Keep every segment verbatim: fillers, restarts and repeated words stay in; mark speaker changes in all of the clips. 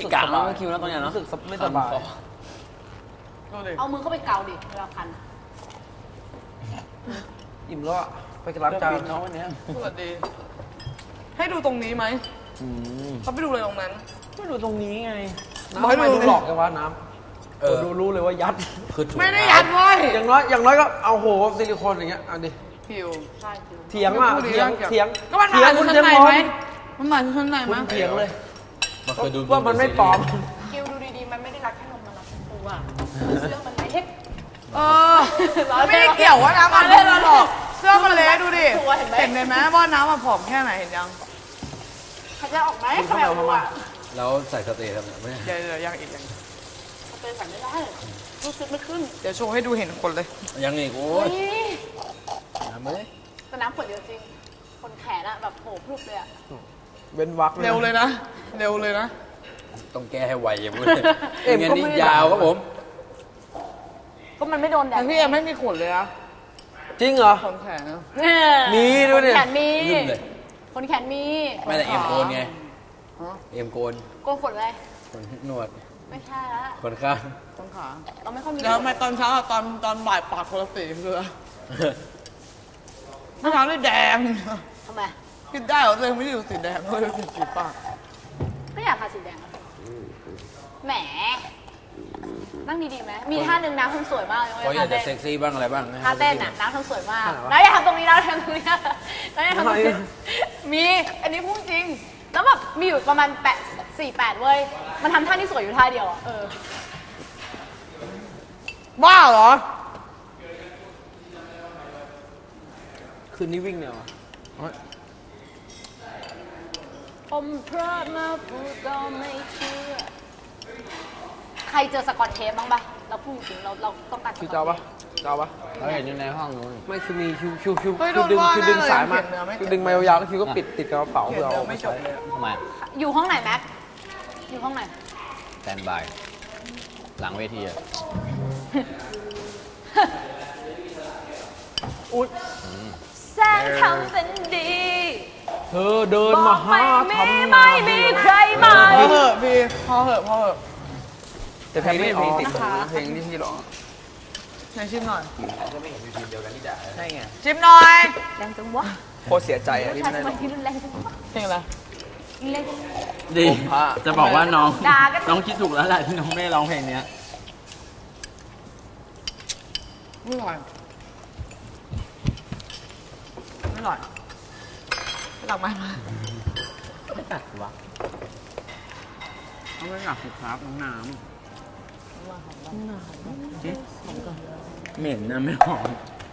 Speaker 1: สึกสบายคิวแล้วตอนนี้รู้สึกไม่สบาย
Speaker 2: เอามือเข้าไปเกาดิเวลาคัน
Speaker 1: อิ่มแล้วไปกระลับจานน้องวันนี้
Speaker 3: สวัสดีให้ดูตรงนี้ไหมเขาไปดูเลยตรงนั้น
Speaker 1: ไม่ดูตรงนี้ไงน้ำไม่ดูหลอกกันวะน้ำเออดูรู้เลยว่ายัด
Speaker 3: ไม่ได้ยัดไว้
Speaker 1: อย่างน้อยอย่างน้อยก็เอาโหซิลิโคนอย่างเงี้ยเอาดิ
Speaker 3: ผิว
Speaker 1: เถียงอ่ะเถียงเถียง
Speaker 3: ก็มันมาคุณเถียงไหมมันมาคุณไหนมั้ย
Speaker 1: เถียงเลยว่ามันไม่ปลอม
Speaker 2: คิวดูดีๆมันไม่ได้รักแค่นมมันรักทั้งตัวเสื้อมันเล็ก
Speaker 3: เออไม่ได้เกี่ยวว่าน้ำมันเล่นหรอกเสื้อมันเล็กดูดิเห็นไหมว่าน้ำมันผอมแค่ไหนเห็นยัง
Speaker 2: เขาจะออกไหมเขาแบบว่า
Speaker 4: แล้วใส่สเตย์ทำไงไม่
Speaker 3: เดี๋ยวเดี๋ยวยังอีกยัง
Speaker 2: สเตย์ใส่ไม่ได้รู้สึกไม่ขึ้น
Speaker 3: เดี๋ยวโชว์ให้ดูเห็นคนเลย
Speaker 4: ยังอีกโอ้ย
Speaker 2: น้ำเลยแต่น้ำขวดเดียวจริงคนแขนอะแบบโผล่พรุบเลยอะ
Speaker 1: เว้นวัก
Speaker 3: เร็วเลยนะเร็วเลยนะ
Speaker 4: ต้องแก้ให้ไวอย่างนี้เอ็มก็นี่ยาวครับผม
Speaker 2: ก็มันไม่โดนแดด
Speaker 3: พี่เอ็มไม่มีขนเลยอะ
Speaker 1: จริงเหรอ
Speaker 3: คนแขน
Speaker 1: มีด้วยเนี่ย
Speaker 2: แขนมีคนแขนมี
Speaker 4: ไม่แต่เอ็มโกนไงเอ็มโกน
Speaker 2: โกนขนอะไร
Speaker 4: ขนหนวด
Speaker 2: ไม่ใช่ละ
Speaker 4: ขนข้าง
Speaker 3: ขนขา
Speaker 2: เราไม่ค่อยมี
Speaker 3: แล้วทำไมตอนเช้าตอนตอนบ่ายปากคนละสีคือเมื่อเช้าได้แดง
Speaker 2: ทำไม
Speaker 3: กินได้เหรอเลยไม่ได้ดูสีแดงเลยสีสีปาก
Speaker 2: ก็อยากทาสีแดงแหมนั่งดีๆไหมมีท่าหนึ่งน้ำทำสวยมากเลย
Speaker 4: เขาอยากจะเซ็กซี่บ้างอะไรบ้าง
Speaker 2: ท่าเต้นน่ะน้ำทำสวยมากน้าอย่าทำตรงนี้นะทำตรงนี้นะน้าอย่าทำตรงนี้มีอันนี้พูดจริงแล้วแบบมีอยู่ประมาณแปดสี่แปดเว้ยมันทำท่าที่สวยอยู่ท่าเดียวอ่ะเออ
Speaker 3: บ้าเหรอ
Speaker 1: คืนนี้วิ่งเนี่ยวะ
Speaker 2: ผมพลาดมาพูดก็ไม่เชื่อใครเจอสกอตเทปบ้างปะเราพูดจริงเราเราต้องการ
Speaker 1: คิวเจ้าปะเจ้าปะ
Speaker 4: เราเห็นอยู่ในห้องนู้น
Speaker 1: ไม่คือมีคิวคิวคิวคิวดึงคิวดึงสายมาคิวดึงมายาวๆแล้วคิวก็ปิดติดกระเป๋าเพื่อเอา
Speaker 3: ไม่จบเลย
Speaker 4: ทำไม
Speaker 2: อยู่ห้องไหนแม็กอยู่ห้องไหน
Speaker 4: แตนบายหลังเวทีอะ
Speaker 2: อุ๊ยแสงทำเป็นดี
Speaker 1: เธอเดินมาหาทำไม
Speaker 2: ไม่มีใครมา
Speaker 3: พอเหอะพี่พอเหอะพอเหอะ
Speaker 1: แต่เพลงไม่ออกเพลงที่พี่ร้อง
Speaker 3: ไหนชิมหน่อย
Speaker 4: ก็ไม่เห็นทีมเดียวกันที่ด่า
Speaker 1: ใช่ไง
Speaker 3: ชิมหน่อย
Speaker 2: แรงจังวะ
Speaker 1: โคตรเสียใจอ่ะที่ไม่ได้ร้อง
Speaker 2: แรงจังวะ
Speaker 3: เพลงอะไร
Speaker 1: ดีจะบอกว่าน้องน้องคิดถูกแล้วแหละที่น้องไม่ร้องเพลงนี้
Speaker 3: ไม่หน่อยไม่หน่อยหลังไม้มา
Speaker 1: ไม่ตัดวะเขาไม่หนักสิครับน้องน้ำเหม็นนะไม่หอม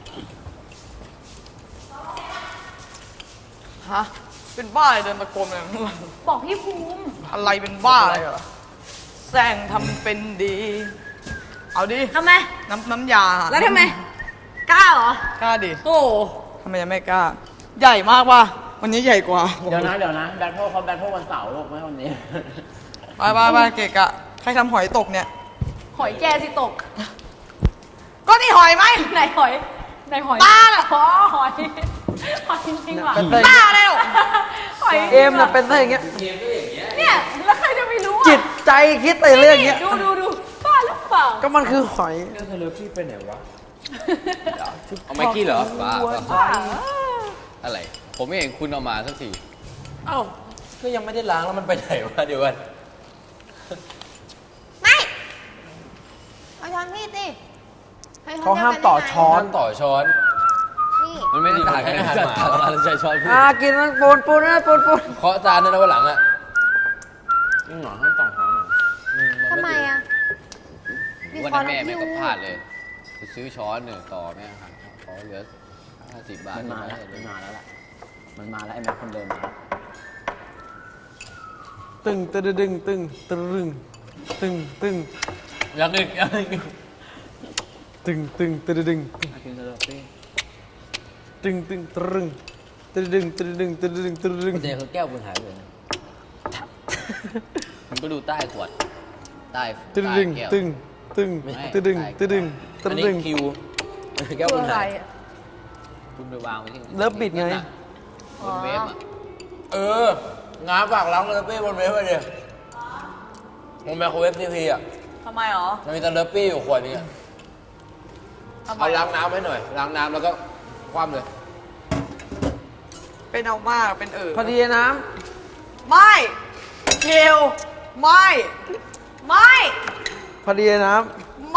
Speaker 3: ฮะเป็นบ้าอะไรเดินตะโกนอะไรข้างหลัง
Speaker 2: บอกพี่ภูมิ
Speaker 3: อะไรเป็นบ้าอะไรเหรอแซงทำเป็นดีเอาดิ
Speaker 2: ทำไม
Speaker 3: น้ำน้ำยา
Speaker 2: แล้วทำไมกล้าเหร
Speaker 3: อกล้าดิ
Speaker 2: โอ้
Speaker 3: ทำไมยังไม่กล้าใหญ่มากว่ะวันนี้ใหญ่กว่า
Speaker 1: เดี๋ยวนะเดี๋ยวนะแบทเทิลเขาแบทเทิลวันเสาร์ลูกไม่วันนี้
Speaker 3: ไปไปไปเกะกะใครทำหอยตกเนี่ย
Speaker 2: หอยแกสิตก
Speaker 3: ก็นี่หอยไหม
Speaker 2: ไหนหอยไหนหอย
Speaker 3: ตาเหรอ
Speaker 2: อ๋อหอยหอยจริงๆว่ะ
Speaker 3: ตาเลย
Speaker 2: หอย
Speaker 1: เอ็มน่ะเป็นอะไรอย่างเงี้ย
Speaker 2: เนี่ยแล้วใครจะไม่รู้อ่ะ
Speaker 1: จิตใจคิดแต่เรื่องเงี้ย
Speaker 2: ดูดูดูบ้าหรือเปล่า
Speaker 1: ก็มันคือหอย
Speaker 4: เรื่องเธอเลิฟพี่ไปไหนวะเอาไม่กี้เหรอบ้าอะไรผมไม่เห็นคุณเอามาสักทีเอ้าก็ยังไม่ได้ล้างแล้วมันไปไหนวะเดี๋ยวกัน
Speaker 2: ไม่เอาช้อนพี่สิ
Speaker 1: เขาห้ามต่อช้อน
Speaker 4: ต่อช้อนมันไม่ได้ต่างกันอาหารหมาเราใช้ช้อนพูด
Speaker 1: อ่ากินมันปูนปูนนะปูนปูน
Speaker 4: เคาะจานนั่นนะวันหลังอ่ะ
Speaker 1: ยิ่งหน่อยห้ามต่อช้อนหน่อย
Speaker 2: ทำไมอ่ะ
Speaker 4: วันนั้นแม่แม่ก็พลาดเลยไปซื้อช้อนเนี่ยต่อแม่อาหารขอเหลือห้าสิบบาท
Speaker 1: มันมาแล้วมันมาแล้วล่ะมันมาแล้วไอ้แม่คนเดิมมาตึงตึงตึงตึงตึงตึงตึง
Speaker 4: ยังอีกยังอีก
Speaker 1: ตึงตึงตึงตึงกินซะเลยตึงตึงตึงตึงตึงตึงตึงตึงตึงตึงตึง
Speaker 4: เดี๋ยวคือแก้วคุณหายไปเลยมันก็ดูใต้ขวดใต้
Speaker 1: ตึงตึงตึงตึงตึงตึงตึง
Speaker 4: อันนี้คิวแก้วคุณหายคุณไปวางไว้ที่
Speaker 1: เลิฟบิดไง
Speaker 4: บนเวฟอ่ะเออง้าฝากล้างเลยเป้บนเวฟไปเดี๋ยวผมไมโครเวฟทีพีอ่ะ
Speaker 3: ทำไมหรอ
Speaker 4: มันมีสเลอร์ปี้อยู่ขวดนึงอะ
Speaker 3: ทำไม
Speaker 4: เอาล้างน้ำให้หน่อย ล้างน้ำแล้วก็คว่ำเลย
Speaker 3: เป็นเอามากเป็นเออ
Speaker 1: พอดีน้
Speaker 3: ไม่เกลไม่ไม่
Speaker 1: ำพอดีน้
Speaker 3: ไม่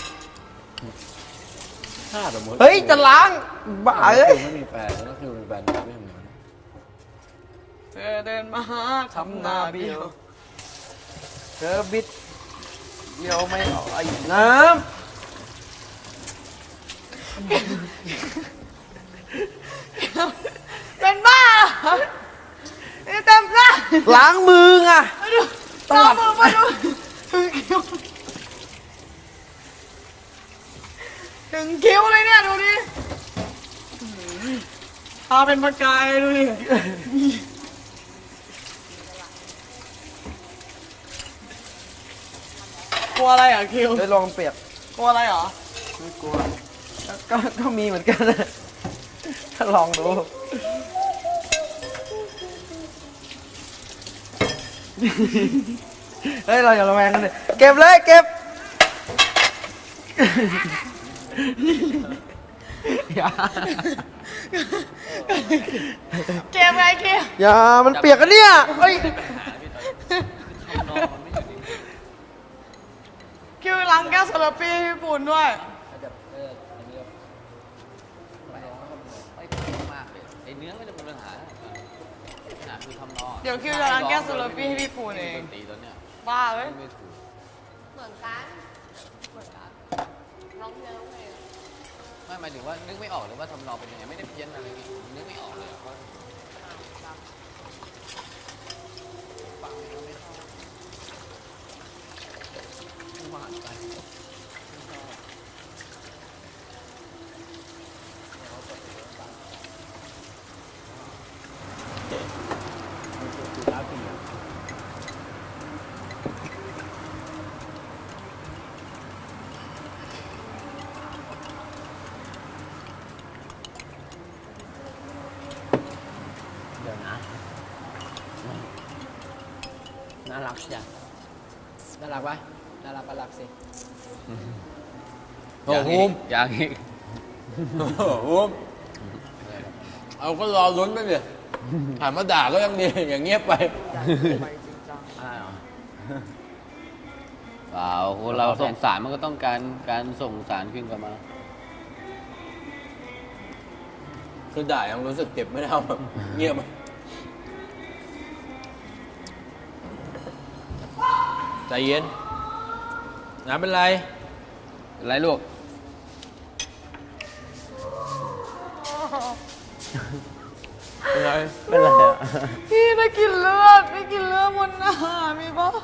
Speaker 4: ถ้าสมมติ
Speaker 1: ำเฮ้ยจะล้างบ้าเอ้ย
Speaker 4: ไม่มีแฟนก็คือมีแฟนไม่ทำงาน
Speaker 3: เธอเดินมาหาทำหน้าเบี้ยว
Speaker 1: เธอบิดเดียวไม่ออกไอ้น้
Speaker 3: เป็นบ้าเหรอนี่เต็มหน้า
Speaker 1: ำล้างมือไง
Speaker 3: มาดูตามือมาดูถึงคิ้วถึงคิ้วเลยเนี่ยดูดิตาเป็นประกายดูดิกลัวอะไรอ่ะคิว
Speaker 1: ได้ลองเปียก
Speaker 3: กลัวอะไรเหรอ
Speaker 1: ไม่กลัวก็ก็มีเหมือนกันนะถ้าลองดูเฮ้ยเราอย่าระแวงกันเลยเก็บเลยเก็บอย่า
Speaker 3: เกมไงคิว
Speaker 1: อย่ามันเปียกกันเนี่ยเฮ้ย
Speaker 3: คิวล้างแก้วสลับปี้ให้พี่ปูนด้วย
Speaker 4: ไอ้เนื้อไม่ได้เป็นปัญหาปัญหาคือทำนอง
Speaker 3: เดี๋ยวคิวจะล้างแก้วสลับปี้ให้พี่ปูนเอง
Speaker 4: ตีตอนเนี้ย
Speaker 3: บ้าเอ้ย
Speaker 4: ไม่ถูก
Speaker 2: เหมือนกันเหมือนกันร้องเพลงร้องเพลง
Speaker 4: ไม่หมายถึงว่านึกไม่ออกเลยว่าทำนองเป็นยังไงไม่ได้เพี้ยนอะไรนี่นึกไม่ออกเลยว่าฟังแล้วไม่เข้าไม่หวานไป
Speaker 5: เดี๋ยวนะ น่ารักจ้ะน่ารักปะน่ารักก็รักสิ
Speaker 4: โอ้โหอย่างอีกโอ้โหเอาก็รอลุ้นไปดิถามมาด่าก็ยังดีอย่างเงียบไป
Speaker 5: อะไรหรอ
Speaker 4: เปล่าคนเราส่งสารมันก็ต้องการการส่งสารขึ้นกลับมา คือด่ายังรู้สึกเจ็บไม่เท่าแบบเงียบใจเย็นน้ำเป็นไรเป็นไรลูก
Speaker 1: เป็นไร
Speaker 5: เป็นไรอ่ะ
Speaker 3: พี่ได้กลินเลือดได้กลินเลือดบนหน้ามีปะ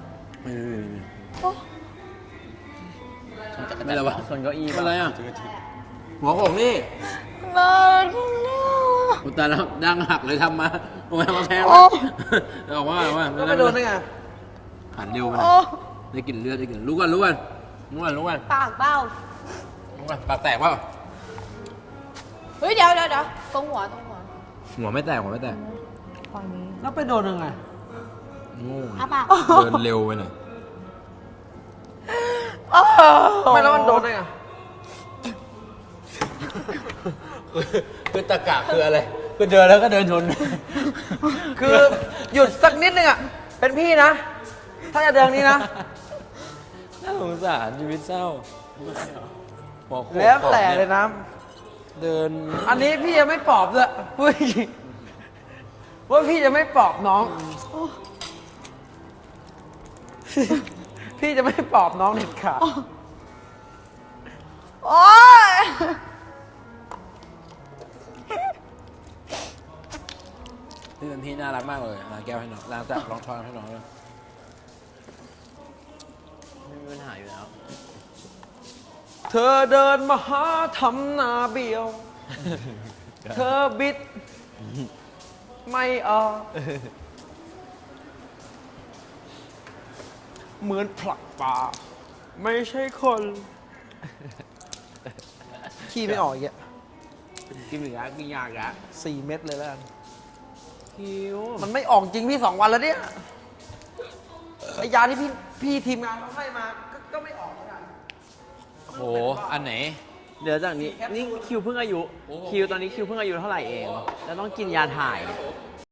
Speaker 4: ไม่เป็นไรวะ
Speaker 5: ส่วนเก้าอี้
Speaker 4: เป็นไรอ่ะหัวผมนี่
Speaker 3: หน้าข้างหน้า
Speaker 4: อุยตายแล้วดังหักเลยทำมาโอ้ยมาแพง
Speaker 3: โอ้
Speaker 4: ออกว่าออกว่า
Speaker 1: แล้วไปโดนได้ไง
Speaker 4: หันเร็วไปหน่
Speaker 3: โอ้
Speaker 4: อยได้กลิ่นเลือดได้กลิ่นรู้กันรู้กันรู้กันรู้กัน
Speaker 2: ปากเบ้า
Speaker 4: รู้กันปากแตกเปล่า
Speaker 2: เฮ้ยเดี๋ยวเดี๋ยวเดี๋ยวตรงหัวตรงหัว
Speaker 4: หัวไม่แตกหัวไม่แตก
Speaker 1: แล้วไปโดนยังไง
Speaker 4: โง่
Speaker 2: อ้าปาก
Speaker 4: เดินเร็วไปหน่อย
Speaker 1: ไม่แล้วมันโดนได้ไง
Speaker 4: คือตะกะคืออะไรคือเดินแล้วก็เดินชน
Speaker 1: คือหยุดสักนิดนึงอ่ะเป็นพี่นะ ถ้าจะเดินนี้นะ
Speaker 5: น่าสงสารชีวิตเศร้าหัวโขก
Speaker 1: แล้วแต่เลยน้
Speaker 5: เดิน
Speaker 1: ำอันนี้พี่จะไม่ปลอบเลยพูดจริงว่าพี่จะไม่ปลอบน้อง พี่จะไม่ปลอบน้องเด็ดขาด
Speaker 3: โอ้ย
Speaker 5: พี่เป็นพี่น่ารักมากเลยล้างแก้วให้น้องล้างจับรองช้อนให้น้องเลยไม่มีปัญหาอยู่แล้ว
Speaker 1: เธอเดินมาหาทำหนาเบี้ยว เธอบิด ไม่ออกเหมือนผลักปลาไม่ใช่คนขี้ไม่ออกอีกอะ
Speaker 5: กินเหลือกินยากอะ
Speaker 1: สี่เม็ดเลยแล้วกัน
Speaker 5: คิว
Speaker 1: มันไม่ออกจริงพี่สองวันแล้วเนี่ย
Speaker 6: ไอยาที่พี่พี่ทีมงานเขาให้มาก็ก็ไม่ออกเหมือนกัน
Speaker 4: โห อันไหน
Speaker 6: เดี๋ยวจากนี้นี่คิวเพิ่งอายุคิวตอนนี้คิวเพิ่งอายุเท่าไหร่เอง แล้วต้องกินยาถ่าย